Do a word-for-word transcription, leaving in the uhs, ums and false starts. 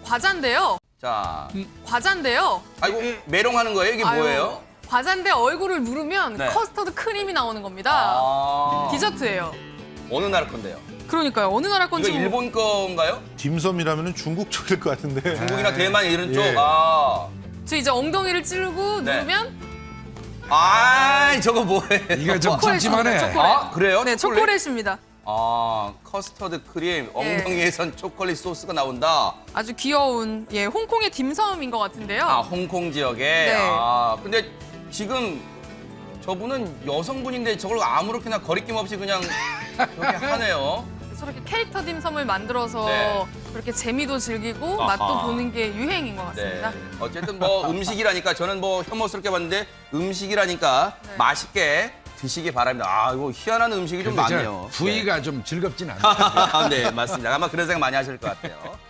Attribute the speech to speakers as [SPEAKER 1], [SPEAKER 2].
[SPEAKER 1] 과자인데요.
[SPEAKER 2] 자,
[SPEAKER 1] 과자인데요.
[SPEAKER 2] 아이고 메롱하는 거예요? 이게
[SPEAKER 1] 아유,
[SPEAKER 2] 뭐예요?
[SPEAKER 1] 과자인데 얼굴을 누르면
[SPEAKER 2] 네.
[SPEAKER 1] 커스터드 크림이 나오는 겁니다.
[SPEAKER 2] 아,
[SPEAKER 1] 디저트예요.
[SPEAKER 2] 어느 나라 건데요?
[SPEAKER 1] 그러니까요. 어느 나라
[SPEAKER 2] 이거
[SPEAKER 1] 건지
[SPEAKER 2] 일본 건가요?
[SPEAKER 3] 딤섬이라면 중국 쪽일 것 같은데.
[SPEAKER 2] 중국이나 대만 이런
[SPEAKER 3] 예.
[SPEAKER 2] 쪽? 아,
[SPEAKER 1] 저 이제 엉덩이를 찌르고
[SPEAKER 2] 네.
[SPEAKER 1] 누르면
[SPEAKER 2] 아, 저거 뭐예요?
[SPEAKER 4] 이거 좀
[SPEAKER 1] 초콜릿입니다,
[SPEAKER 4] 찜찜하네.
[SPEAKER 1] 초콜릿.
[SPEAKER 2] 아, 그래요?
[SPEAKER 1] 네,
[SPEAKER 2] 초콜릿?
[SPEAKER 1] 초콜릿입니다.
[SPEAKER 2] 아, 커스터드 크림,
[SPEAKER 1] 예.
[SPEAKER 2] 엉덩이에선 초콜릿 소스가 나온다.
[SPEAKER 1] 아주 귀여운 예 홍콩의 딤섬인 것 같은데요.
[SPEAKER 2] 아, 홍콩 지역에?
[SPEAKER 1] 네.
[SPEAKER 2] 아, 근데 지금 저분은 여성분인데 저걸 아무렇게나 거리낌 없이 그냥 그렇게 하네요.
[SPEAKER 1] 저렇게 캐릭터 딤섬을 만들어서
[SPEAKER 2] 네.
[SPEAKER 1] 그렇게 재미도 즐기고
[SPEAKER 2] 아하.
[SPEAKER 1] 맛도 보는 게 유행인 것
[SPEAKER 2] 네.
[SPEAKER 1] 같습니다.
[SPEAKER 2] 어쨌든 뭐 음식이라니까 저는 뭐 혐오스럽게 봤는데 음식이라니까
[SPEAKER 1] 네.
[SPEAKER 2] 맛있게 드시기 바랍니다. 아, 이거 희한한 음식이 좀
[SPEAKER 4] 근데 저
[SPEAKER 2] 많네요.
[SPEAKER 4] 부위가 좀 즐겁진 않아.
[SPEAKER 2] 네. 네, 맞습니다. 아마 그런 생각 많이 하실 것 같아요.